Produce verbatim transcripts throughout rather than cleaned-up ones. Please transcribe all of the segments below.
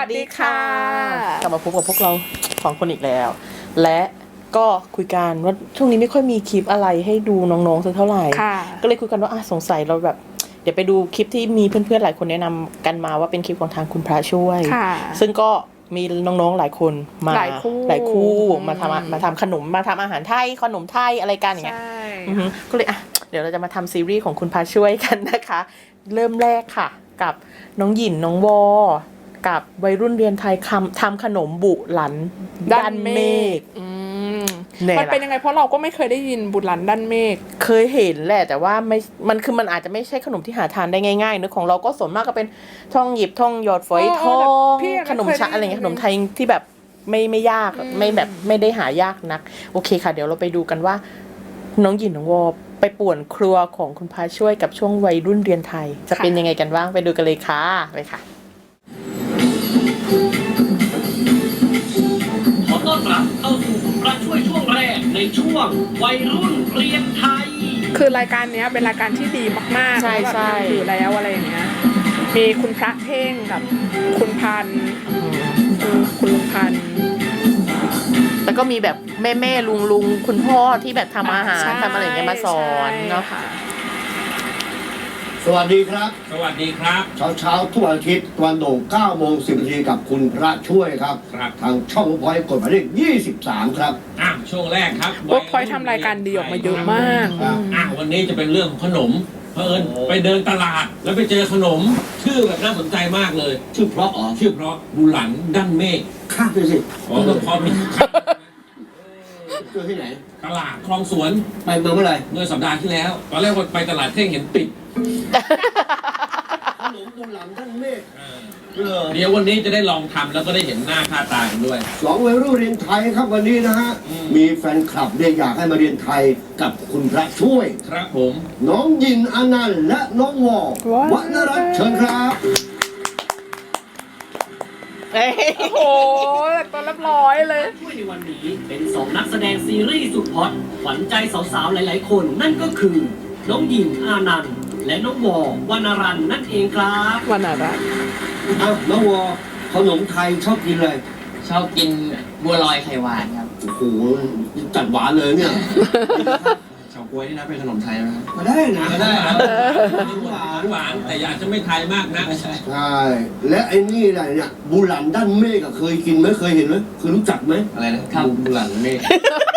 ดีค่ะกลับมาพบกับพวกเราสองคนอีกแล้ว และก็คุยกันว่าช่วงนี้ไม่ค่อยมีคลิปอะไรให้ดูน้องๆสักเท่าไหร่ก็เลยคุยกันว่าอ่ะสงสัยเราแบบเดี๋ยวไปดูคลิปที่มีเพื่อนๆหลายคนแนะนำกันมาว่าเป็นคลิปของทางคุณพระช่วยซึ่งก็มีน้องๆหลายคนมาหลายคู่หลายคู่มาทำมาทำขนมมาทำอาหารไทยขนมไทยอะไรกันอย่างเงี้ยก็เลยอ่ะเดี๋ยวเราจะมาทำซีรีส์ของคุณพระช่วยกันนะคะเริ่มแรกค่ะกับน้องหยินน้องวอกับวัยรุ่นเรียนไทยคำทำขนมบุหลันด้านเมฆมันเป็นยังไงเพราะเราก็ไม่เคยได้ยินบุหลันด้านเมฆเคยเห็นแหละแต่ว่าไม่มันคือมันอาจจะไม่ใช่ขนมที่หาทานได้ง่ายๆเนอะของเราก็ส่วนมากก็เป็นท่องหยิบท่องหยอดฝอยทองขนมชะอะไรเงี้ยขนมไทยที่แบบไม่ไม่ยากไม่แบบไม่ได้หายากนักโอเคค่ะเดี๋ยวเราไปดูกันว่าน้องหยินน้องวอไปป่วนครัวของคุณพาช่วยกับช่วงวัยรุ่นเรียนไทยจะเป็นยังไงกันบ้างไปดูกันเลยค่ะไปค่ะขอต้อนรับเข้าสู่คุณพระช่วยช่วงแรกในช่วงวัยรุ่นเรียนไทยคือรายการนี้เป็นรายการที่ดีมากๆใช่ใช่อยู่แล้วอะไรอย่างเงี้ยมีคุณพระเท่งกับคุณพันคุณลุงพันแล้วก็มีแบบแม่แม่ลุงลุงคุณพ่อที่แบบทำอาหารทำอะไรอย่างเงี้ยมาสอนเนาะค่ะสวัสดีครับสวัสดีครับเช้าเช้าทุกวันอาทิตย์ตะวันโด่งเก้าโมงสิบนาทีกับคุณพระช่วยครับครับทางช่องพอยต์กดหมายเลขยี่สิบสามครับอ่ะช่วงแรกครับว่าพอยต์ทำรายการดีออกมาเยอะมากอ่ะวันนี้จะเป็นเรื่องของขนมเผอิญไปเดินตลาดแล้วไปเจอขนมชื่อแบบน่าสนใจมากเลยชื่อเพราะอ๋อชื่อเพราะบุหลันด้านเมฆข้ามไปสิอ๋อก็พอมีเจอที่ไหนตลาดคลองสวนไปเมื่อเมื่อไหร่เมื่อสัปดาห์ที่แล้วตอนแรกไปตลาดเท่งเห็นปิดขนมบุหลันด้านเมฆเดี๋ยววันนี้จะได้ลองทำแล้วก็ได้เห็นหน้าค่าตากันด้วยสองวัยรุ่นเรียนไทยครับวันนี้นะฮะมีแฟนคลับเนี่ยอยากให้มาเรียนไทยกับคุณพระช่วยครับผมน้องยินอนันต์และน้องวอวรรณรัตน์เชิญครับโอ้โหตัวเรียบร้อยเลยช่วยในวันนี้เป็นสองนักแสดงซีรีส์สุดฮอตขวัญใจสาวๆหลายๆคนนั่นก็คือน้องหญิงอานันต์และน้องวอวรรณรัตน์นั่นเองครับวรรณรัตน์อ้าวน้องวอขนมไทยชอบกินเลยชอบกินบัวลอยไข่หวานครับโอ้โหจัดหวานเลยเนี่ยเฉาก๊วยนี่นะเป็นขนมไทยไหมครับก็ได้นะก็ได้ครับหวานหวานแต่อยากจะไม่ไทยมากนะใช่ใช่และไอ้นี่อะไรเนี่ยบุหลันด้านเมฆเคยกินไหมเคยเห็นไหมเคยรู้จักไหมอะไรนะครับบุหลันเมฆ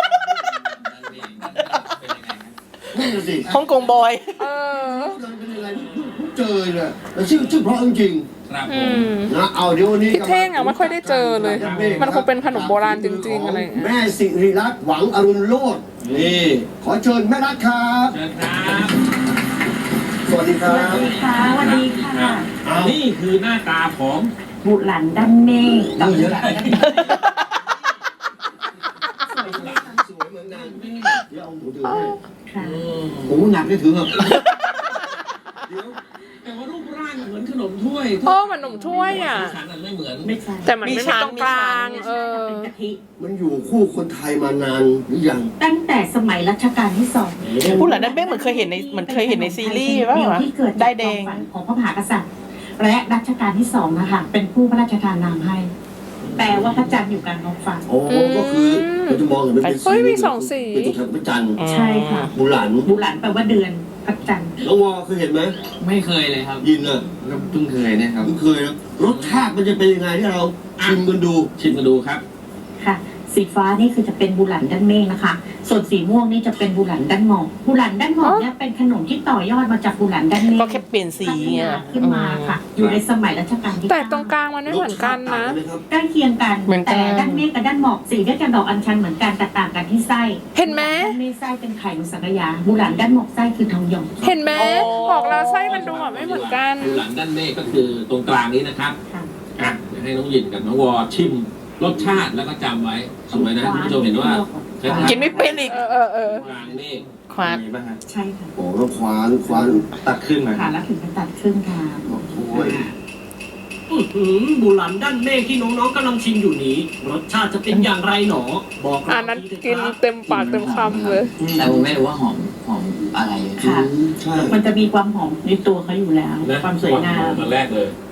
ฮ่องกงบอยเออเป็นยังไงเจอเลยแต่ชื่อชื่อเพราะจริงครับผมนะเอาเดี๋ยววันนี้พี่เท่งอ่ะไม่ค่อยได้เจอเลยมันคงเป็นขนมโบราณจริงๆอะไรแม่สิริรัตน์หวังอรุณโลดนี่ขอเชิญแม่รัตน์ครับเชิญครับสวัสดีครับสวัสดีค่ะสวัสดีค่ะนี่คือหน้าตาของบุหลันด้านเมฆกับบุหลันด้านเมฆสวยเหมือนกันเดี๋ยวเอาหมูถือค่ะหมูหนักได้ถือเหรอเดี๋ยวแต่ว่ารูปร่างเหมือนขนมถ้วยโอ้มันขนมถ้วยอ่ะไม่เหมือนแต่มันไม่มีตรงกลางเออมันอยู่คู่คนไทยมานานหรือยังตั้งแต่สมัยรัชกาลที่สองบุหลันด้านเมฆเหมือนเคยเห็นในเหมือนเคยเห็นในซีรีส์ป่ะวะได้แดงของพระมหากษัตริย์และรัชกาลที่สองนะคะเป็นผู้พระราชทานนามให้แปลว่าพระจันทร์อยู่กลางท้องฟ้าโอ้ก็คือเราจะมองเห็นเป็นสีมีสองสีเป็นตัวแทนพระจันทร์ใช่ค่ะบุหลันบุหลันแปลว่าเดือนพระจันทร์น้องวอเคยเห็นไหมไม่เคยเลยครับยินอ่ะเพิ่งเคยเนี่ยครับเพิ่งเคยนะรสชาติมันจะเป็นยังไงที่เราชิมกันดูชิมกันดูครับค่ะสีฟ้านี่คือจะเป็นบุหลันด้านเมฆนะคะส่วนสีม่วงนี่จะเป็นบุหลันด้านหมอกบุหลันด้านหมอกเนี่ยเป็นขนมที่ต่อยอดมาจากบุหลันด้านเมฆก็แค่เปลี่ยนสีเนี่ยขึ้นมาค่ะอยู่ในสมัยรัชกาลที่แต่ตรงกลางมันไม่เหมือนกันนะใกล้เคียงกันแต่ด้านเมฆกับด้านหมอกสีด้วยกันดอกอัญชันเหมือนกันแต่ต่างกันที่ไส้เห็นไหมด้านเมฆไส้เป็นไข่มุสังกยาบุหลันด้านหมอกไส้คือทองหยองเห็นไหมบอกแล้วไส้มันดูแบบไม่เหมือนกันบุหลันด้านเมฆก็คือตรงกลางนี้นะครับอ่ะเดี๋ยวให้น้องหยินกับน้องวอชิมรสชาติแล้วก็จำไว้สมัยนั้นคุณผู้ชมเห็นว่ากินไม่เป็นอีกเออเออเออวางนี่ควานใช่ค่ะโอ้แล้วควานควานตัดขึ้นมาค่ะแล้วถึงจะตัดขึ้นค่ะโอ้ยบุหลันด้านเมฆที่น้องๆกำลังชิมอยู่นี้รสชาติจะเป็นอย่างไรหนอบอกอันนั้นกินเต็มปากเต็มคำเลยแต่ผมไม่รู้ว่าหอมหอมอะไรค่ะมันจะมีความหอมในตัวเขาอยู่แล้วความสวยงามมาแรกเลย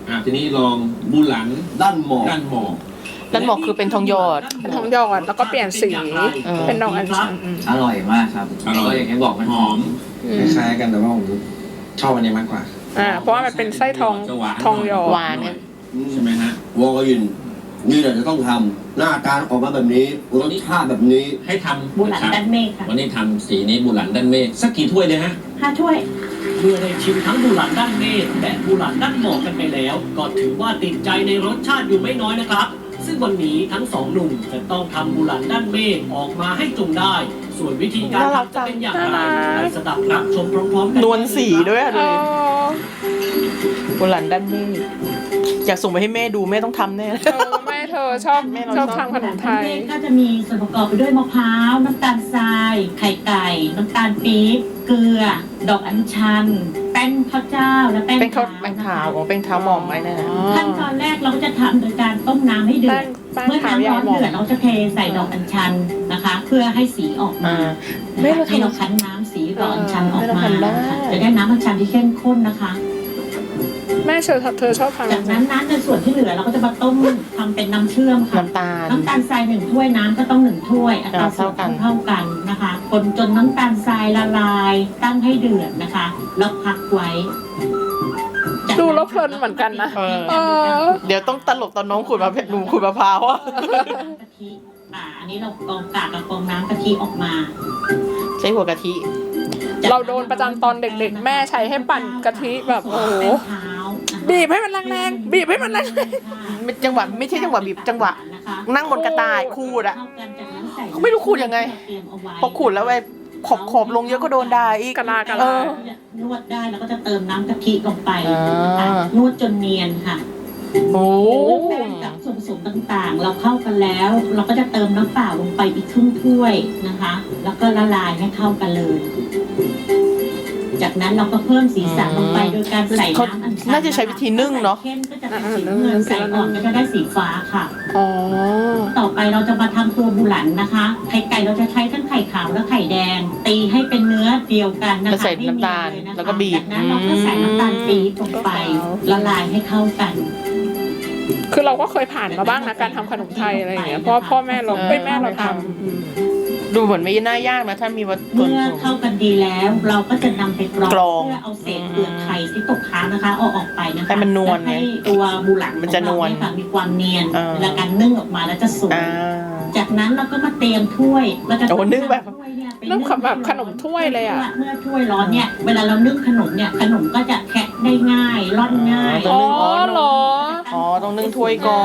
อ่ะทีนี้ลองบุหลันด้านหมอกด้านหมอกด้านหมอกคือเป็นทองหยอดเป็นทองหยอดแล้วก็เปลี่ยนสีเออเป็นดอกอัญชันอืมอร่อยมากครับก็อย่างที่บอกมันหหออมมอืมคล้ายๆกันแต่ว่าผมชอบอันนี้มากกว่าอ่าเพราะว่ามันเป็นไส้ทองทองหยอหดวานเนี่ยใช่ไหมฮะวอลยินนี่แหละจะต้องทำหน้าตาออกมาแบบนี้รสชาติแบบนี้ให้ทำบุหลันด้านเมฆค่ะวันนี้ทำสีนี้บุหลันด้านเมฆสักกี่ถ้วยเลยฮะห้าถ้วยเมื่อได้ชิมทั้งบุหลันด้านเมฆและบุหลันด้านหมอกกันไปแล้ว ก็ถือว่าติดใจในรสชาติอยู่ไม่น้อยนะครับ ซึ่งวันนี้ทั้งสองหนุ่มจะต้องทำบุหลันด้านเมฆออกมาให้จงได้ ส่วนวิธีการทำจะเป็นอย่างไรไปสดับรับชมพร้อมๆกันนวลสีด้วยอะอ๋ดูอบุหลันด้านเมฆอยากส่งไปให้แม่ดูแม่ต้องทำแน่เธอแม่เธอชอบแม่เราชอบชอบทำขนมไทยก็จะมีส่วนประกอบไปด้วยมะพร้าว น้ำตาลทราย ไข่ไก่ น้ำตาลปี๊บ เกลือ ดอกอัญชัน แป้งข้าวเจ้า และแป้งเป็นข้าวขาวแป้งขาวของเป็นเท้าหมอมไว้นะขั้นตอนแรกเราก็จะทำโดยการต้มน้ำให้เดือแป้ดงแป้งเมื่อขาวน้ำยาร้วอนหมอเดือดเราจะเทใส่ดอกอัญชันนะคะ เพื่อให้สีออกมาอ่าแม่เราทำให้เราคั้นน้ำสีดอกอัญชันออกแม่เรามาทำได้นะคะจะได้น้ำอัญชันที่เข้มข้นนะคะแม่เธอเธอชอบทำจากนั้นน้ำในส่วนที่เหลือเราก็จะมาต้มทำเป็นน้ำเชื่อมค่ะน้ำตาลน้ำตาลทรายหนึ่งถ้วยน้ำก็ต้องหนึ่งถ้วยอัตราส่วนเท่ากันเท่ากันนะคะคนจนน้ำตาลทรายละลาย ตั้งให้เดือดนะคะแล้วพักไว้จากดูแล้วเพลินเหมือนกันนะเออเออเดี๋ยวต้องตลกตอนน้องขูดมะพร้าวหนูขูดมะพร้าวอะกะทิอ่าอันนี้เรากรองกากกับกรองน้ำกะทิออกมาใช้หัวกะทิเราโดนประจำตอนเด็กๆ แม่ใช้ให้ปั่นกะทิแบบโอ้โหแป้งเท้านะคะบีบให้มันแรงๆบีบให้มันแรงไม่จังหวะไม่ใช่จังหวะบีบจังหวะ นั่งบนกระต่ายขูดอะ เขาไม่รู้ขูดยังไง พอขูดแล้วไอ้ขอบขอบลงเยอะก็โดนด่าอีกกะลากะเอลาอนวดได้แล้วก็จะเติมน้ำกะทิลงไปอ่านนะคะนวดจนเนียนค่ะโอ้แป้งกับส่วนผสมต่างๆ เราเข้ากันแล้ว เราก็จะเติมน้ำเปล่าลงไปอีกครึ่งถ้วยนะคะ แล้วก็ละลายให้เข้ากันเลย จากนั้นเราก็เพิ่มสีสันลงไปโดยการใส่เขาน้ำอัญชันน่าจะใช้วิธีนึ่งเนาะเข้มก็จะเป็นสีน้ำเงินใส่อ่อนก็จะได้สีฟ้าค่ะอ๋อต่อไปเราจะมาทำตัวบุหลันนะคะ ไข่ไก่เราจะใช้ทั้งไข่ขาวและไข่แดง ตีให้เป็นเนื้อเดียวกันนะคะแล้วใส่น้ำตาลให้เนียนเยนะคะแล้วก็บีบจากนั้นเราก็ใส่น้ำตาลปี๊บลงไปละลายให้เข้ากันคือเราก็เคยผ่านมาบ้างนะการทำขนมไทยอะไรอย่างเงี้ยเพราะว่าพ่อแม่เราเอ้ยแม่เราทำอืมดูเหมือนไม่น่ายากนะถ้ามีวัตถุเมื่อเข้ากันดีแล้ว เราก็จะนำไปกรองกรองเพื่อเอาเศษเปลือกไข่ที่ตกค้างนะคะเอาออกไปนะคะให้มันนวลไงแให้ตัวบุหลันมันจะนวลของเราเยค่ะมีความเนียนอ่าเวลาการนึ่งออกมาแล้วจะสวยอ่าจากนั้นเราก็มาเตรียมถ้วยเราจะโอ้นึ่งแบบถ้วยเนี่ยไปนึ่งแบบขนมถ้วยเลยอะเมื่อถ้วยร้อนเนี่ยเวลาเรานึ่งขนมเนี่ยขนมก็จะแคะได้ง่ายร่อนง่ายต้อ๋องอนึ่งเหรออ๋อต้องนึ่งถ้วยก่อน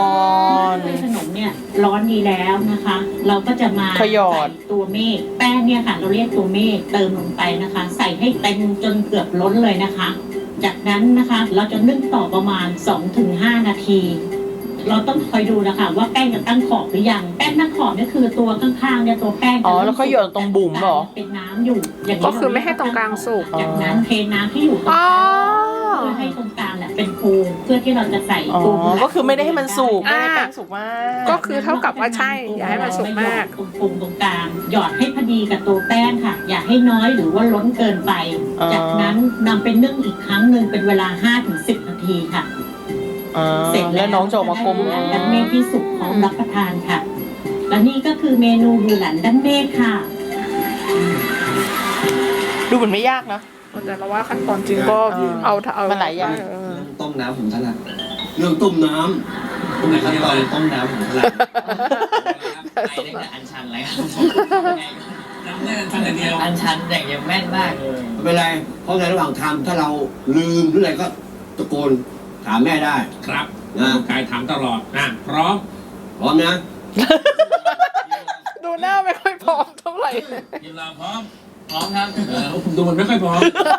ถ้วยขนมเนี่ยร้อนดีแล้วนะคะ เราก็จะมาขยอดใส่ตัวเมฆแป้งเนี่ยค่ะ เราเรียกตัวเมฆเติมลงไปนะคะ ใส่ให้เต็มจนเกือบล้นเลยนะคะ จากนั้นนะคะเราจะนึ่งต่อประมาณ สองถึงห้า นาที เราต้องคอยดูนะคะว่าแป้งจะตั้งขอบหรือยังแป้งตั้งขอบเนี่ยคือตัวข้างๆเนี่ยตัวแป้งอ๋อแล้วก็หยดตรงบุ๋มเหรอเป็นน้ำอยู่อย่างนี้ก็คือไม่ให้ตรงกลางสุกจากนั้นเทน้ำที่อยู่ตรงอ๋กอลางเพื่อให้ตรงกลางเนี่ยเป็นภูมิเพื่อที่เราจะใส่อ๋อตัวบุหลันก็คือไม่ได้ให้มันสุกไม่อ่าได้ให้แป้งสุกมากก็คือเท่ากับว่าใช่อย่าให้มันสุกมากตรงภูมิตรงกลางหยอดให้พอดีกับตัวแป้งค่ะ อย่าให้น้อยหรือว่าล้นเกินไป จากนั้นนำไปนึ่งอีกครั้งหนึ่งเป็นเวลา ห้าถึงสิบ นาทีค่ะอ่าเสร็จแล้วน้องจะออกมากลมบุหลันด้านเมฆที่สุกพร้อมรับประทานค่ะ และนี่ก็คือเมนูบุหลันด้านเมฆค่ะดูเหมือนไม่ยากนะแต่เราว่าขั้นตอนจริงก็เออเอาเอามันหลายอย่างเออต้มน้ำผมถนัดเรื่องต้มน้ต้มในขั้นตอนต้มน้ำผมถนัดไอ้เล็กกับอันชันอะไรครับจำได้อันชันอย่างเดียวอันชันอย่างเดียวแม่นมากำไม่เป็นไร เพราะในระหว่างทำถ้าเราลืมหรืออะไรก็ตะโกนถามแม่ได้ครับนะกายถามตลอดนะพร้อมพร้อมนะดูหน้าไม่ค่อยพร้อมเท่าไหร่ทีมเราพร้อมพร้อมครับเออดูมันไม่ค่อยพร้อม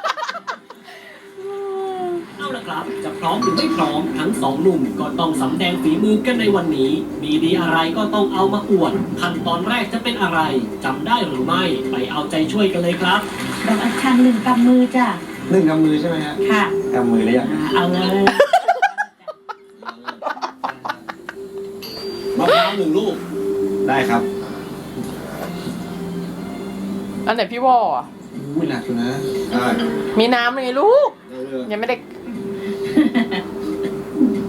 เอาละครับ จะพร้อมหรือไม่พร้อมทั้งสองหนุ่มก็ต้องสำแดงฝีมือกันในวันนี้ มีดีอะไรก็ต้องเอามาอวดขั้นตอนแรกจะเป็นอะไรจำได้หรือไม่ไปเอาใจช่วยกันเลยครับดอกอัญชันหนึ่งกำมือจ้ะหนึ่งกำมือใช่ไหมฮะค่ะกำมือหรือยังอ่าเอาเลยมะพร้าวหนึ่งลูกได้ครับอันไหนพี่วออ่ะอุ้ยหนักอยู่นะได้มีน้ำเลยลูกได้เลยยังไม่ได้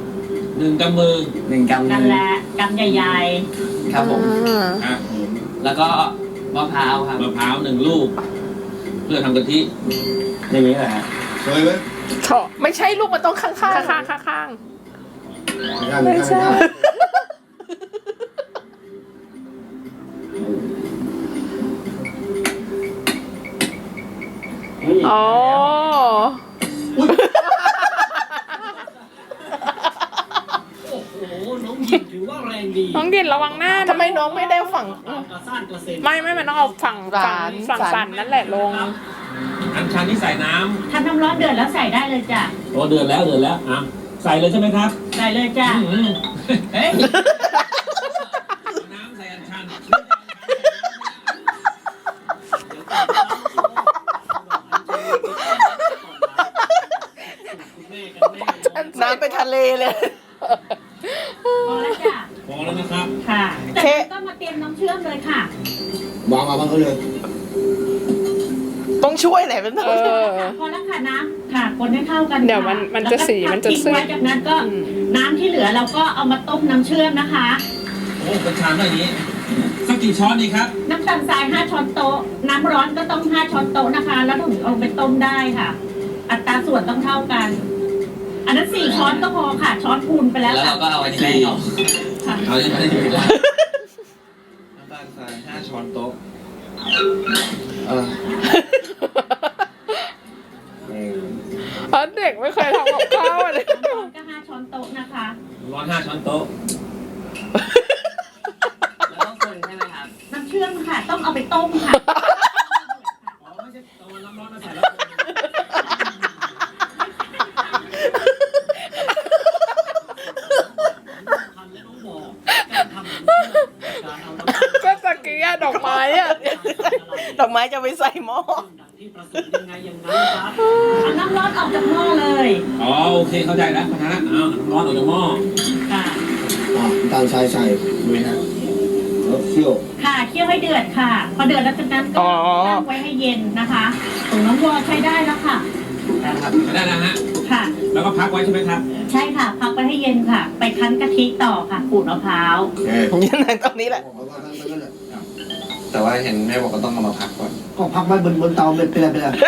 หนึ่งกำมือหนึ่งกำมืนั่นอแหละกำใหญ่ครับผมอ่าครับผมแล้วก็มะพร้าวครับมะพร้าวหนึ่งลูก เพื่อทำกะทิอย่างนี้แหละฮะเคยไหมเถาะไม่ใช่ลูกมันต้องข้างๆข้างข้างข้างข้างไม่ได้ไม่ได้ไม่ได้อ๋อโอ้โห น้องหยิบถือว่าแรงดีน้องดินระวังหน้านะทำไมน้องไม่ได้ฝั่งกระซ่านกระเซ็นไม่ไม่มันต้องเอาฝั่งฝั่งสันฝั่งสันนั่นแหละลงอัญชันที่ใส่น้ๆถ้าน้ำร้อนเดือดแล้วใส่ได้เลยจ้ะำโอ้เดือดแล้วเดือดแล้วอ่ะใส่เลยใช่ไหมครับใส่เลยจ้ะอืมเฮ้ยเอาน้ำใส่อัญชันน้ำไปทะเลเลยพอแล้วจ้ะพอแล้วนะครับค่ะเคแต่ก็มาเตรียมน้ำเชื่อมเลยค่ะวางมาบ้างก็เลยต้องช่วยแหละเป็นต้เอองอพอแล้วค่ะน้ำค่ะคนให้เข้ากันเดี๋ยวมันค่มันจะสีมันจะแล้วก็พักทิ้งไว้ซึมจากนั้นก็อืมน้ำที่เหลือเราก็เอามาต้มน้ำเชื่อมนะคะโอ้เป็นชามแบบนี้สักกี่ช้อนดีครับน้ำตาลทรายห้าช้อนโต๊ะ น้ำร้อนก็ต้องห้าช้อนโต๊ะนะคะ แล้วถึงเอาไปต้มได้ค่ะ อัตราส่วนต้องเท่ากัน อันนั้นสี่ช้อนก็พอค่ะ ช้อนคูณไปแล้วแล้วค่ะเราก็เอาอันนี้ไปออกค่ะเอาอย่างนี้อยู่แล้วน้ำตาลทรายห้าช้อนโต๊ะเออเพราะเด็กไม่เคยทำกับข้าวเลยน้ำร้อนก็ห้าช้อนโต๊ะนะคะร้อนห้าช้อนโต๊ะแล้วต้องคนใช่ไหมครับน้ำเชื่อมค่ะ ต้องเอาไปต้มค่ะอ๋อไม่ใช่เอาน้ำร้อนมาใส่แล้วคนทันและน้องบอกการทำน้ำเชื่อมการเอาน้ำเชื่อมก็ตะกี้อะดอกไม้อะดอกไม้จะไปใส่หม้อดังที่ประสงค์ยังไงอย่างนั้นครับเอาน้ำร้อนออกจากหม้อเลยอ๋อโอเคเข้าใจแล้วนะฮะเอาน้ำร้อนออกจากหม้อค่ะอ่ะน้ำตาลทรายใส่ดูฮะแล้วเคี่ยวค่ะเคี่ยวให้เดือดค่ะ พอเดือดแล้วจากนั้นก็อ๋อตั้งไว้ให้เย็นนะคะถุงน้ำวัวใช้ได้แล้วค่ะได้แล้วฮะค่ะแล้วก็พักไว้ใช่ไหมครับใช่ค่ะ พักไว้ให้เย็นค่ะ ไปคั้นกะทิต่อค่ะขูดมะพร้าวโอเคยังไงตรงนี้แหละบอกว่าทั้งนั้นแหละแต่ว่าเห็นแม่บอกว่าต้องเอามาพักก่อนก็พักไว้บนบนเตาเป็นเป็นอะไรเป็นอะไร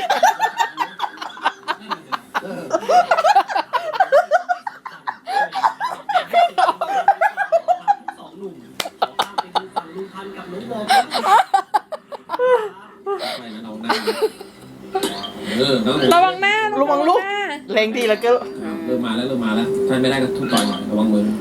เออสองหนุ่มขอข้ามไปดูฝั่งลุงพันธุ์กับน้องวอครับไม่งั้นเอาหน้าเออแล้วระวังหน้าระวังลูกหน้าแรงดีแล้วก็เริ่มมาแล้วเริ่มมาแล้วถ้าไม่ได้ก็ทุบต่อยหน่อยระวังมือห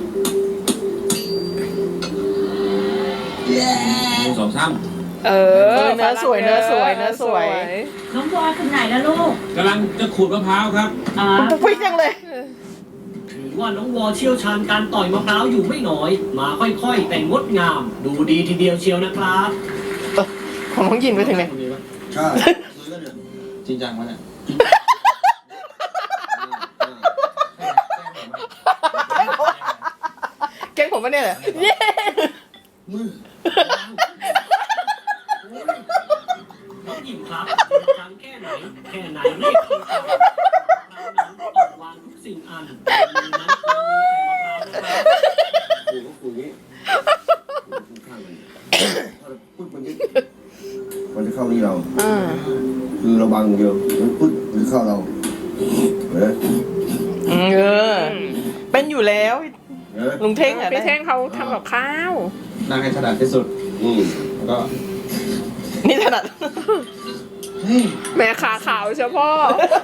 นึ่งสองสามเออเนื้อสวยเนื้อสวยเนื้อสวยน้องวัวถึงไหนแล้วลูกกำลังจะขูดมะพร้าวครับอ๋อฟิกจังเลยถือว่าน้องวอเชี่ยวชาญการต่อยมะพร้าวอยู่ไม่น้อย มาค่อยๆ แต่งดงาม ดูดีทีเดียวเชียวนะครับของน้องยินไปถึงไหนใช่ซื้อแล้วเนี่ยจริงจังวะเนี่ยแกล้งผมปะเนี่ยเย้มือน้องหญิงครับทำแค่ไหน แค่ไหนเรียกคือทำมะพร้าวนั้นต้องวางทุกสิ่งอันมือนั้นควรมีแต่มะพร้าวนะครับขู่ก็ขู่อย่างนี้ขู่ข้างมันปุ๊บมันจะมันจะเข้านี่เราอ่าคือเราบังเดียวมันปุ๊บมันเข้าเราเห็นไหมเออ เป็นอยู่แล้วเห็นไหมลุงเท่งอ่ะพี่เท่งเขาทำกับข้าวนั่งให้ถนัดที่สุดอืมแล้วก็นี่ถนัดแม่ขาขาวเฉพาะ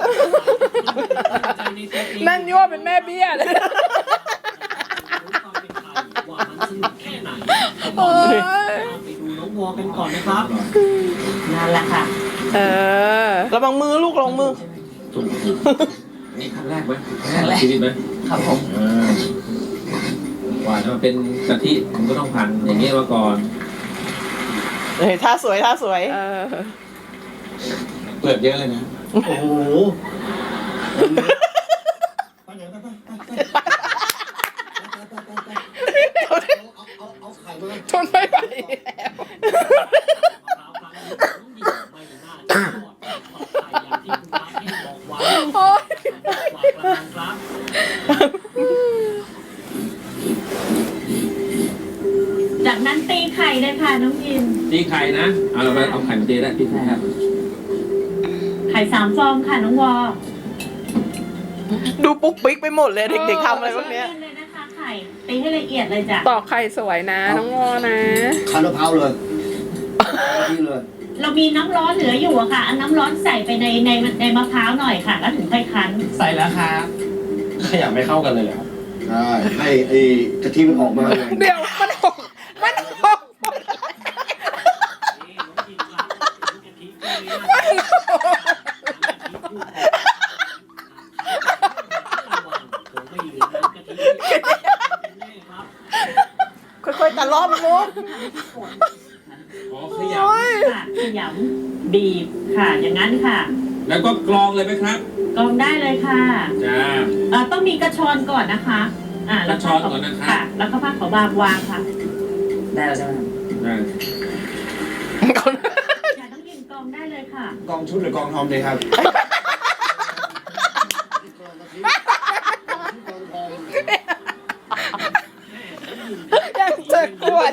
ใจในตัวเองนั่นยั่วเป็นแม่เบี้ยเลยความเป็นไทยว่ามันสนุกแค่ไหนตอนนี้ไปดูน้องวอกันก่อนนะครับนั่นแหละค่ะเออระวังมือลูกระวังมือถูกถูกนี่ครั้งแรกไหมครั้งแรกชีวิตไหมครับผมอ่าว่าจะมาเป็นกะทิผมก็ต้องพันอย่างเงี้ยมาก่อนเฮ้ยท่าสวยท่าสวยเออเปลือกเยอะเลยนะโอ้โหไปไหนไปไปไปไปเอาเอาเอาไข่มาทนไม่ไหวแล้วไม่น่าจะรอดปลอดภัยอย่างที่คุณพระเทพบอกไว้โอ๊ยบอกกระนันครับเลยค่ะน้องยินตีไข่นะ เอาเราไปเอาไข่มาตีได้ตีไข่ครับไข่สามฟองค่ะน้องวอดูปุ๊กปิ๊กไปหมดเลยเด็กๆทำอะไรพวกเนี้ยเลยนะคะไข่ตีให้ละเอียดเลยจ้ะตอกไข่สวยนะน้องวอนะคันมะพร้าวเลยนี่เลยเรามีน้ำร้อนเหลืออยู่อะค่ะเอาน้ำร้อนใส่ไปในในในมะพร้าวหน่อยค่ะ แล้วถึงค่อยคั้นใส่แล้วครับขยับไม่เข้ากันเลยเหรอครับใช่ให้ไอ้กะทิมันออกมาไงเดี๋ยวมันหกมันหกค่อยๆตะล่อมมุกอ๋อขยค่ะขยำบีบค่ะ อย่างนั้นค่ะำแล้วก็กรองเลยไหมครับกรองได้เลยค่ะจ้าเอ่อต้องมีกระชอนก่อนนะคะ อ่าแล้วกระชอนก่อนนะคะค่ะ แล้วก็ผ้าขาวบางวางค่ะได้แล้วใช่ไหมครับได้อย่าต้องยินกรองได้เลยค่ะกองชุดหรือกองทอมเลยครับยังเจอขวด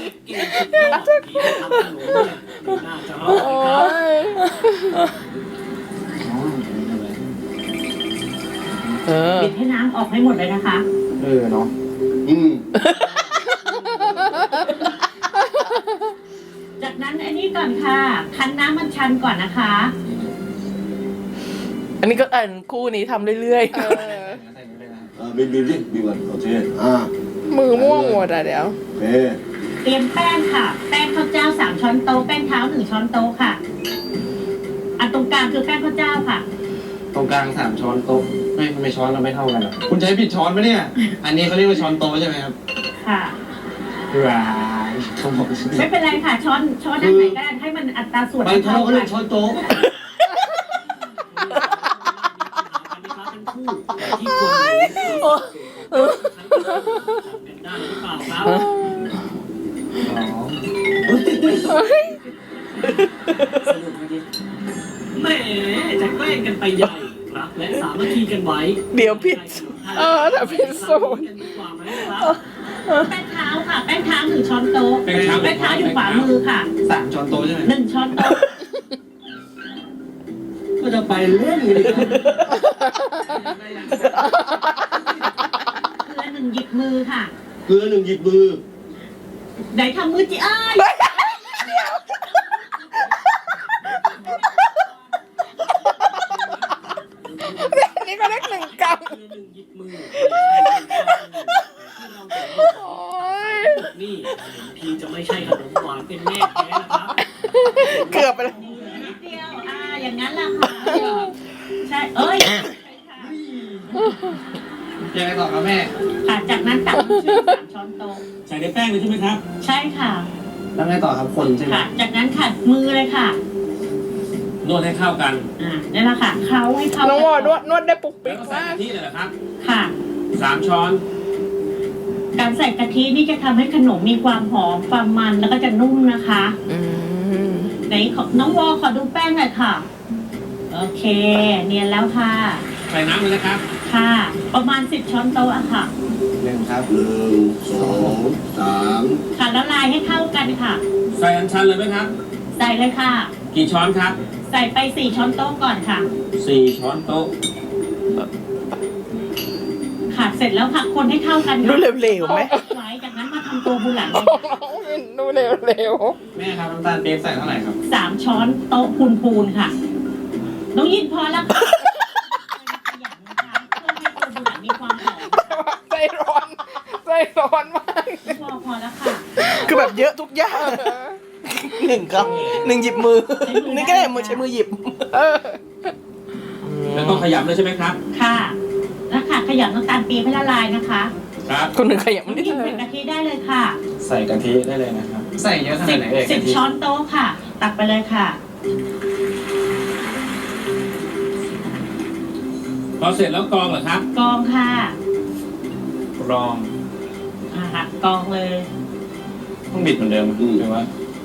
โอ้ยเออปิดให้น้ำออกให้หมดเลยนะคะเออเนาะอืมจากนั้นอันนี้ก่อนค่ะ คั้นน้ำมันชันก่อนนะคะอันนี้ก็อ่านคู่นี้ทำเรื่อยเออใส่นี้เลยนะครับเออบินบินดิบินก่อนโอเคอ่ามือม่วงหมดอ่ะเดี๋ยวโอเคเตรียมแป้งค่ะ แป้งข้าวเจ้าสามช้อนโต๊ะ แป้งเท้าหนึ่งช้อนโต๊ะค่ะ อันตรงกลางคือแป้งข้าวเจ้าค่ะตรงกลางสามช้อนโต๊ะไม่ทำไมช้อนเราไม่เท่ากันเหรอคุณใช้ผิดช้อนปะเนี่ย อันนี้เขาเรียกว่าช้อนโต๊ะใช่ไหมครับค่ะว้ายเขาบอกไม่เป็นไรค่ะ ช้อนช้อนด้านไหนก็ได้ให้มันอัตราส่วนบางท่อเท่าเขากัเรียนกช้อนโต๊ะที่ควรรู้เป็นได้หรือเปล่าครับอ๋อแหมจะแกล้งกันไปใหญ่ครับและสามัคคีกันไว้ๆ เดี๋ยวผิดเออแต่เป็นสูตรกันดีกว่าไหมครับแป้งเท้าค่ะ แป้งเท้าหนึ่งช้อนโต๊ะแป้งเท้าแป้งเท้าอยู่ขวามือค่ะสามช้อนโต๊ะใช่ไหมหนึ่งช้อนโต๊ะก็จะไปเล่นกันเลยเกลือหนึ่งหยิบมือค่ะเกลือหนึ่งหยิบมือไหนทำมือจิอ้ายนี่ก็เลขหนึ่งกรัมหนึ่งหยิบมือโอ้ยนี่พี่จะไม่ใช่ขนมหวานเป็นแม่แท้นะครับเกือบไปแล้วนิดเดียว อ่า อย่างนั้นแหละค่ะ ใช่ เอ้ยยังไงต่อครับแม่ค่ะ จากนั้นตักน้ำชื่อสามช้อนโต๊ะใส่ในแป้งเลยใช่ไหมครับใช่ค่ะแล้วไงต่อครับคนใช่ไหมค่ะ จากนั้นค่ะ มือเลยค่ะนวดให้เข้ากันอ่านี่แหละค่ะ เคล้าให้เข้าน้องวอกันนวดนวดได้ปุกแล้ปิวกก็ใส่มากกะทิเลยเหรอครับค่ะสามช้อนการใส่กะทินี่จะทำให้ขนมมีความหอม ความมัน แล้วก็จะนุ่มนะคะอืมไหนขอน้องวอขอดูแป้งหน่อยค่ะ โอเค เนียนแล้วค่ะใส่น้ำเลยนะครับค่ะ ประมาณสิบช้อนโต๊ะอะค่ะหนึ่งครับหนึ่งสองสามค่ะแล้วลายให้เข้ากันค่ะใส่อัญชันเลยไหมครับใส่เลยค่ะกี่ช้อนครับใส่ไปสี่ช้อนโต๊ะก่อนค่ะสี่ช้อนโต๊ะค่ะ เสร็จแล้วค่ะ คนให้เข้ากันดูค่ะเร็วๆไหมไว้จากนั้นมาทำตัวบุหลังน้องวินดูเร็วแม่ครับน้ำตาลเปี๊ยกใส่เท่าไหร่ครับสามช้อนโต๊ะพูนๆค่ะ น้องยินพอแล้วค่ะขยันนะคะเพื่อให้ตัวบุหลังมีความหอมๆใจร้อนใจร้อนมากพอพอแล้วค่ะคือแบบเยอะทุกอย่าง หนึ่งครับหนึ่งหยิบมือ นี่ก็ได้มือใช้มือหยิบเออแล้วก็ขยำเลยใช่ไหมครับค่ะแล้วค่ะขยำน้ำตาลปี๊บให้ละลายนะคะครับคนหนึ่งขยับน้องนิดยินใส่กะทิได้เลยค่ะใส่กะทิได้เลยนะครับ ใส่เยอะขสินาดบไหนเอ่ยสิบกะทิช้อนโต๊ะค่ะ ตักไปเลยค่ะพอเสร็จแล้วกรองเหรอครับกรองค่ะกรองอ่าค่ะกรองเลยต้องบิดเหมือนเดิมหรือว่า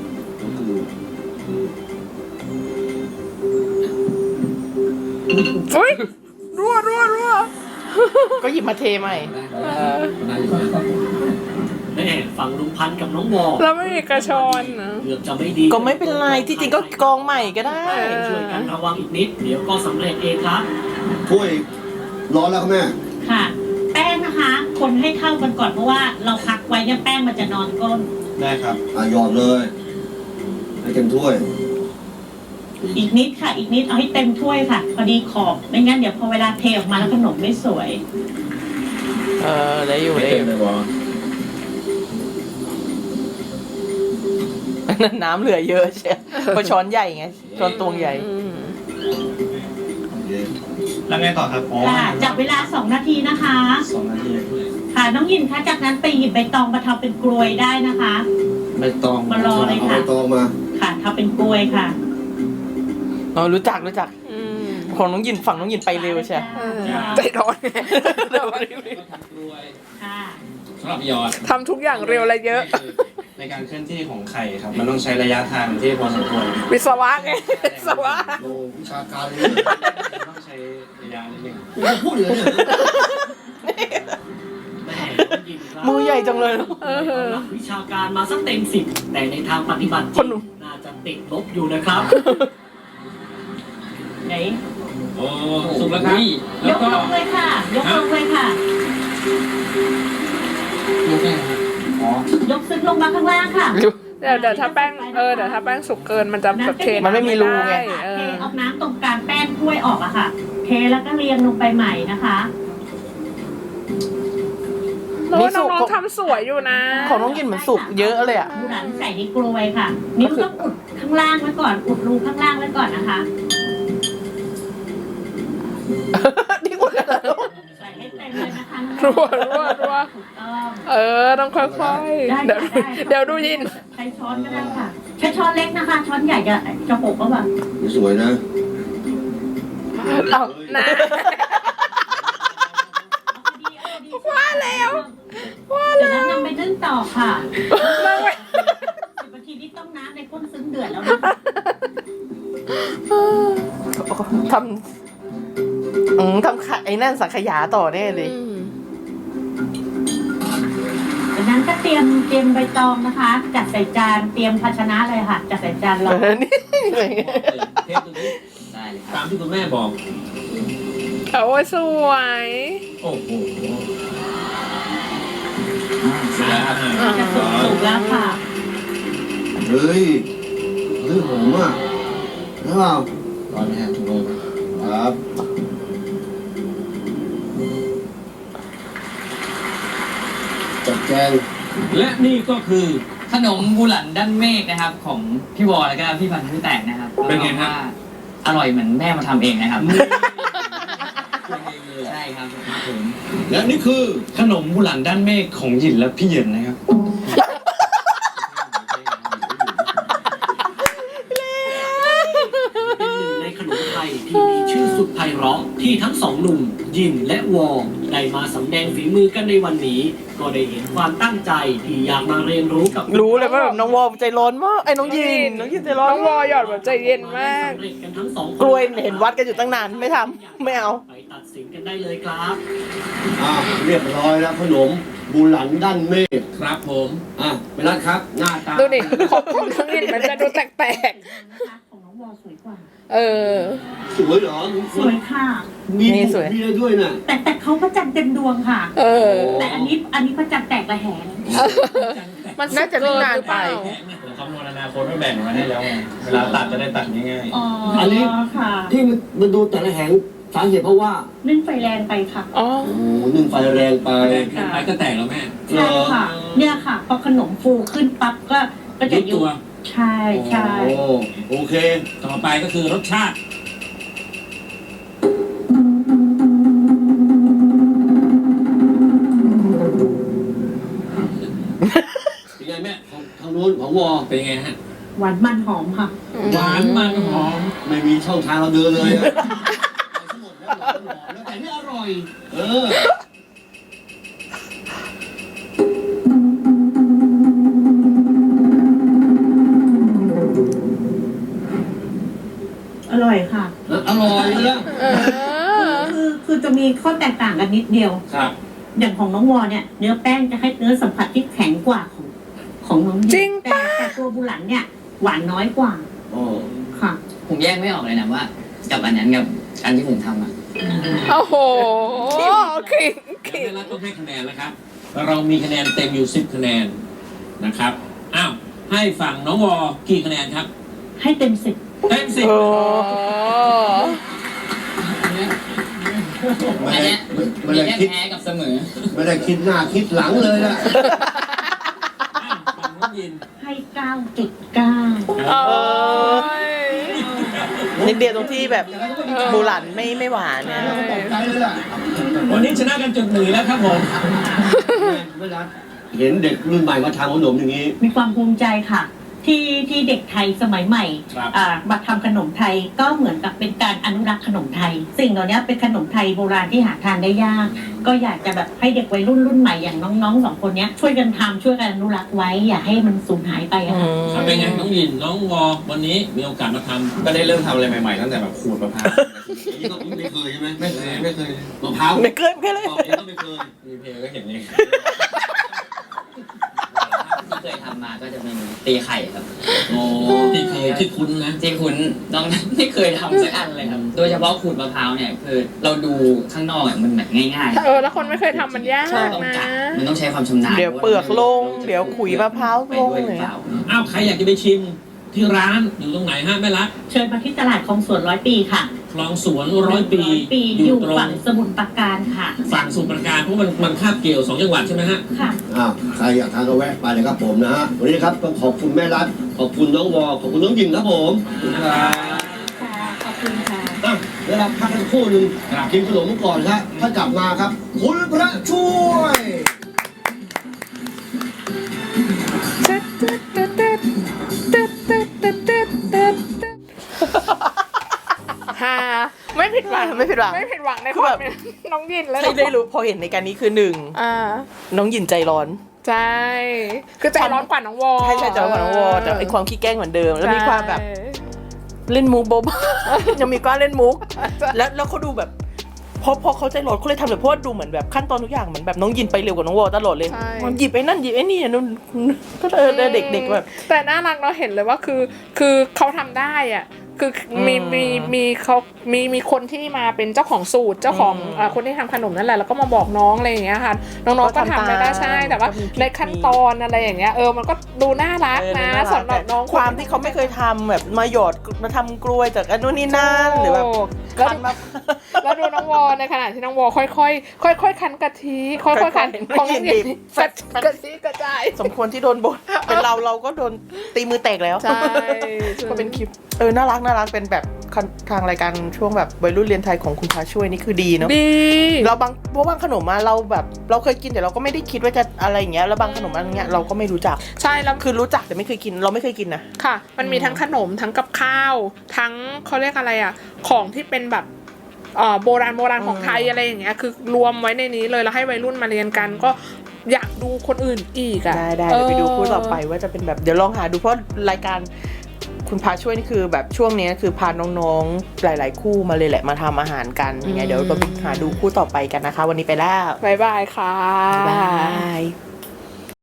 อุ้ยรัวรัวรัวก็หยิบมาเทใหม่ได้อยู่แม่ฝฝั่งลุงพันธ์กับน้องวอแล้วไม่มีกระชอนนะเกือบจะไม่ดีก็ไม่เป็นไรที่จริงก็กองใหม่ก็ได้ช่วยกันระวังอีกนิด เดี๋ยวก็สำเร็จเองครับถ้วยร้อนแล้วครับแม่ค่ะ แป้งนะคะ คนให้เข้ากันก่อนเพราะว่าเราพักไว้เนี่ยแป้งมันจะนอนก้นได้ครับอ่ะหยอดเลย ให้เต็มถ้วยอีกนิดค่ะ อีกนิดเอาให้เต็มถ้วยค่ะ พอดีขอบไม่งั้นเดี๋ยวพอเวลาเทออกมาแล้วขนมไม่สวยเออได้อยู่ไม่ได้อเต็มยู่เลยวะน้ำเหลือเยอะใช่เพราะช้อนใหญ่ไงช้อนตวงใหญ่อืมแล้วไงต่อครับอ๋อค่ะจับเวลาสองนาทีนะคะสองนาทีค่ะน้องยินคะจากนั้นไปหยิบใบตองมาทำเป็นกลวยได้นะคะใบตองมารอเลยเอาค่ะใบตองมาค่ะทำเป็นกลวยค่ะอ๋อรู้จักรู้จักอืมของน้องยินฝั่งน้องยินไปเร็วใช่เออใจร้อนไงค่ะสำหรับหยอดทำทุกอย่างเร็วและเยอะในการเคลื่อนที่ของไข่ครับ มันต้องใช้ระยะทางที่พอสมควรวิศวะไงวิศวะโลวิชาการเลยต้องใช้ระยะนิดนึงคุณจะพูดอย่างนี้เหรอแม่น้องยินครับมือใหญ่จังเลยเออหลักวิชาการมาสักเต็มสิบแต่ในทางปฏิบัติจครินงหนุ่มน่าจะติดลบอยู่นะครับไหนโอ้สุกแล้วครับยแล้วกก็ลงเลยค่ะ ยกลงเลยค่ะยกได้ครับอ๋อยกซึ้งลงมาข้างล่างค่ะเดี๋ยวเดี๋ยวถ้าแป้งเออเดี๋ยวถ้าแป้งสุกเกินมันจะแบบเทมันไม่มีรูไงเอเทอเอาน้ำตรงกลางแป้งถ้วยออกอะค่ะ เทแล้วก็เรียงลงไปใหม่นะคะโน้นี่ตสุน้กองๆทำสวยอยู่นะของน้องยินเหมือนสุกเยอะเลยอ่ะหมูหันใส่ในกลวยค่ะ นิ้วต้องอุดข้างล่างไว้ก่อน อุดรูข้างล่างไว้ก่อนนะคะนี่หมดแล้วใส่ให้เต็มเลยนะคะรัวรัวรัวถูกต้องเออต้องค่อยๆ เดี๋ยวเดี๋ยวดูยินใช้ช้อนก็ได้ค่ะ ใช้ช้อนเล็กนะคะ ช้อนใหญ่จะจะหกก็แบบสวยนะเอานะว่าแล้วว่าแล้วนำไปนึ่งต่อค่ะสิบนาทีนี้ต้องน้ำในก้นซึ้งเดือดแล้วนะทำอืมทำขะไอ้นั่นสังขยาต่อแน่เลยอืมจากนั้นก็เตรียมเตรียมใบตองนะคะ จัดใส่จาน เตรียมภาชนะเลยค่ะ จัดใส่จานรอเออนี่เลยเทปตรงนี้ได้เลยครับตามที่คุณแม่บอกโอ้ยสวยโอ้โหเสร็จแล้วจะสุกสุกแล้วค่ะเฮ้ย เฮ้ยหอมอ่ะใช่เปล่าร้อนไหมฮะถุงลมครับจัดแจงและนี่ก็คือขนมบูหลันด้านเมฆนะครับ ของพี่วอแล้วก็พี่พันธุ์พี่แตกนะครับเป็นไงฮะว่าอร่อยเหมือนแม่มาทำเองนะครับ ใช่ครับผมและนี่คือขนมบุหลันด้านเมฆของหยินและพี่เหยินนะครับเป็นหนึ่งในขนมไทยที่มีชื่อสุดไพเราะที่ทั้งสองหนุ่ม ยินและวอได้มาสำแดงฝีมือกันในวันนี้ ก็ได้เห็นความตั้งใจที่อยากมาเรียนรู้กับรู้เลยว่าแบบน้องวอลใจร้อนมากไอ้น้องยินน้องยินใจร้อนน้องวอหยอดแบบใจเย็นมากสำเร็จกันทั้งสองคนกล้วยเห็นวัดกันอยู่ตั้งนานไม่ทำไม่เอาไปตัดสินกันได้เลยครับอ่ะเรียบร้อยแล้วขนมบุหลันด้านเมฆครับผมอ่ะไปรัดครับ หน้าตาดูดิของของน้องยินมันจะดูแปลกของน้องวอสวยกว่าๆ เออสวยเหรอสวยค่ะมีนี่บุสวยกมีอะไรด้วยน่ะแต่แต่เขาพระจันทร์เต็มดวงค่ะเออแต่อันนี้อันนี้พระจันทร์แตกระแหงมันน่าจะไม่นานไปผมคำนวณอนาคตไม่แบ่งมาให้แล้วไง เวลาตัดจะได้ตัดง่ายอ๋ออันนี้ค่ะที่มันมันดูแต่ละแหงสาเหตุเพราะว่านึ่งไฟแรงไปค่ะอ๋อโอ้หนึ่งไฟแรงไปแรงเกินไปก็แตกแล้วแม่ใช่ค่ะ เนี่ยค่ะ พอขนมฟูขึ้นปั๊บก็ก็จะยุบตัวใช่ใช่โอ้โอเคต่อไปก็คือรสชาติเป็นไงแม่ของทางนู้นของวอเป็นไงฮะหวานมันหอมค่ะหวานมันหอมไม่มีช่องทางเราเดินเลยอะหมดแล้วหวานหอมแล้วแต่นี่อร่อย เอออร่อยค่ะอร่อยเลยนะเออคือคือจะมีข้อแตกต่างกันนิดเดียวครับอย่างของน้องวอเนี่ย เนื้อแป้งจะให้เนื้อสัมผัสที่แข็งกว่าของของน้องจริงแต่ปะแต่ตัวบุหลันเนี่ยหวานน้อยกว่าอ๋อค่ะผมแยกไม่ออกเลยนะว่า กับอันนั้นกับอันที่ผมทำอ่ะโอ้โหขิงแล้วขิงแม่รัฐต้องให้คะแนนแล้วครับ เรามีคะแนนเต็มอยู่สิบคะแนนนะครับ อ้าว ให้ฝั่งน้องวอกี่คะแนนครับให้เต็มสิบเต็มสิบโอ้ไม่อันได้เนี้ยไม่มีได้แค่คิดแพ้กับเสมอไม่ได้คิดหน้าคิดหลังเลยล่ะอ้าวฝั่งน้องยินให้เก้าจุดเก้าโอ้ยนิดเดียวตรงที่แบบบูหลันไม่ไม่หวานเนี่ยตกใจเลยล่ะวันนี้ชนะกันจุดหนึ่งแล้วครับผมไม่รักเห็นเด็กรุ่นใหม่มาทำขนมอย่างนี้มีความภูมิใจค่ะ ที่ที่เด็กไทยสมัยใหม่ครับอ่ามาทำขนมไทยก็เหมือนกับเป็นการอนุรักษ์ขนมไทย สิ่งเหล่านี้เป็นขนมไทยโบราณที่หาทานได้ยาก ก็อยากจะแบบให้เด็กวัยรุ่นรุ่นใหม่อย่างน้องๆสองคนเนี้ยช่วยกันทำช่วยกันอนุรักษ์ไว้ อย่าให้มันสูญหายไปอะค่ะเอาเป็นไงน้องยิน น้องวอวันนี้มีโอกาสมาทำก็ได้เริ่มทำอะไรใหม่ๆตั้งแต่แบบขูดมะพร้าวนี่ก็ไม่เคยใช่ไหมไม่เคยไม่เคยมะพร้าวไม่เคยไม่เคยเลยตอกเองก็ไม่เคยมีเพลงก็เห็นเองที่เคยทำมาก็จะเป็นตีไข่ครับโอ้ที่เคยที่คุ้นนะที่คุณน้องไม่เคยทำสักอันเลยครับ โดยเฉพาะขูดมะพร้าวเนี่ยคือเราดูข้างนอกอะมันแบบง่ายๆเออแล้วคนไม่เคยทำมันยากใช่ต้องนะจับมันต้องใช้ความชำนาญเดี๋ยวเปลือกลงเดี๋ยวขุยมะพร้าวไปลงด้วยหเลรือย เปล่าอ้าวใครอยากจะไปชิมที่ร้านอยู่ตรงไหนฮะแม่รัฐเชิญมาที่ตลาดคลองสวนร้อยปีค่ะคลองสวนร้อยปีปีออยู่ ยู่ตรงฝั่งสมุทรปราการค่ะฝั่งสมุทรปราการเพราะมันมันคาบเกี่ยวสองจังหวัดใช่ไหมฮะค่ะอ้าวใครอยากทานก็แวะไปเลยครับผมนะฮะ วันนี้นะครับต้องขอบคุณแม่รัฐขอบคุณน้องวอ ขอบคุณน้องยิงครับผมค่ะขอบคุณค่ะอ่ะเวลาพักกันครู่หนึ่งกินขนมก่อนครับถ้ากลับมาครับ คุณพระช่วยฮาไม่ผิดหวังไม่ผิดหวังไม่ผิดหวังในคือคแบวามบเป็นน้องยินแล้วให้ได้รู้พอเห็นในการนี้คือหนึ่งอ่าน้องหยินใจร้อนใช่คือใจร้อนกว่าน้องวอใช่ใช่ใจร้อนกว่าน้องวอแต่ไอความขี้แกล้งเหมือนเดิม แล้วมีความแบบเล่นมุกโบ๊ะ ยังมีกล้าเล่นมุก แล้วแล้วเขาดูแบบพอพอเขาใจร้อนเขาเลยทำแบบเพราะว่าดูเหมือนแบบขั้นตอนทุกอย่างเหมือนแบบน้องยินไปเร็วกว่าน้องวอตลอดเลยใช่มันหยิบไอ้นั่นหยิบไอ้นี่นู่นก็เออเด็กๆแบบแต่น่ารักเราเห็นเลยว่าคือคือเขาทำได้อ่ะคือมีอืมมีมีเขามีมีคนที่มาเป็นเจ้าของสูตรเจ้าของอืมอ่าคนที่ทำขนมนั่นแหละแล้วก็มาบอกน้องอะไรอย่างเงี้ยค่ะน้องๆก็ทำได้ได้ใช่แต่ว่าก็มีในขั้นตอนอะไรอย่างเงี้ยเออมันก็ดูน่ารักเออนะน่ารักสำหรับน้องความที่เขาไม่เคยทำแบบมาหยอดมาทำกล้วยจากอันนู้นนี่นั่นหรือแบบแล้วคั้นมาแล้วดูน้องวอในขณะที่น้องวอค่อยๆค่อยๆคั้นกะทิค่อยๆคั้นค่อยๆของน้องหยินบีบกะกะทิกระจายสมควรที่โดนบทเป็นเราเราก็โดนตีมือแตกแล้วใช่ก็เป็นคลิปเออน่ารักน่ารักเป็นแบบทางรายการช่วงแบบวัยรุ่นเรียนไทยของคุณพาช่วยนี่คือดีเนาะดีเราบางเพราะบางขนมมาเราแบบเราเคยกินแต่เราก็ไม่ได้คิดว่าจะอะไรอย่างเงี้ยแล้วบางขนมอันเงี้ยเราก็ไม่รู้จักใช่แล้วคือรู้จักแต่ไม่เคยกินเราไม่เคยกินนะค่ะ มันมีทั้งขนมทั้งกับข้าว ทั้งเขาเรียกอะไรอ่ะ ของที่เป็นแบบเอ่อโบราณโบราณของไทยอะไรอย่างเงี้ย คือรวมไว้ในนี้เลยแล้วให้วัยรุ่นมาเรียนกัน ก็อยากดูคนอื่นอีกอ่ะได้ได้เดี๋ยวไปดูคู่ต่อไปว่าจะเป็นแบบเดี๋ยวลองหาดูเพราะรายการคุณพาช่วยนี่คือแบบช่วงนี้คือพาน้องๆหลายๆคู่มาเลยแหละมาทำอาหารกันยังไงเดี๋ยวเราไปหาดูคู่ต่อไปกันนะคะ วันนี้ไปแล้วบ๊ายบายค่ะบ๊ายบาย